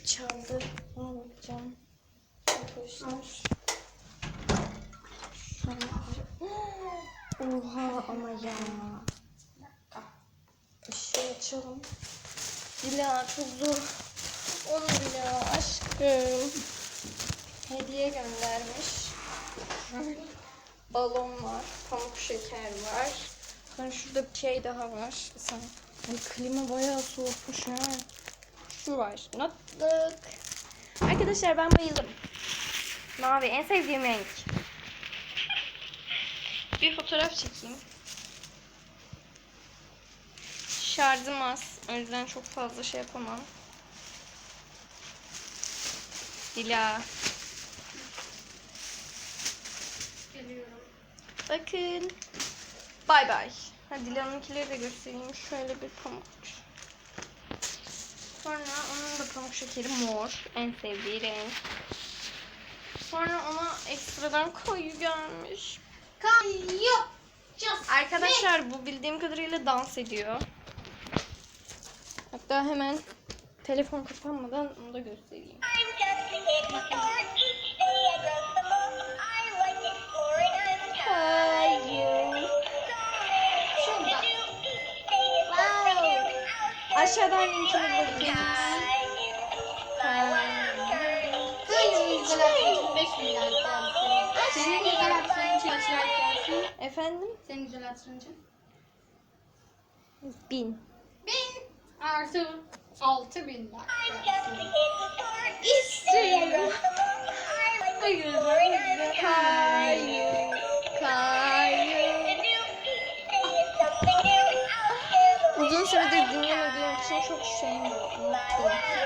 çaldı. Ona bakacağım. Arkadaşlar. Oha ama ya. Işığı açalım. Dila çok zor. Onu Dila aşkım. Hediye göndermiş. Balon var. Pamuk şeker var. Sonra şurada bir şey daha var. Sen. Ay klima bayağı soğukmuş ha. Şu var. Notluk. Arkadaşlar ben bayıldım. Mavi en sevdiğim renk. Bir fotoğraf çekeyim. Şarjım az. O yüzden çok fazla şey yapamam. Dila. Geliyorum. Bakın. Bay bay. Hadi Dila'nınkileri de göstereyim. Şöyle bir pamuk. Sonra onun da pamuk şekeri mor. En sevdiği renk. Sonra ona ekstradan koyu gelmiş. Kayu. Arkadaşlar bu bildiğim kadarıyla dans ediyor. Hatta hemen telefon kapanmadan onu da göstereyim. Şurada. Wow. Aşağıdan linkini bırakayım. Senin güzel aklın 5 milyar gelsin. Senin güzel aklın için kaç like gelsin? Efendim? Senin güzel aklın için. 1000. 1000 artı 6000 like gelsin. İstiyorum. Hayır. Kayu. Kayu. Uzun süredir dinlemediğim için çok şeyim yok. Unuttum.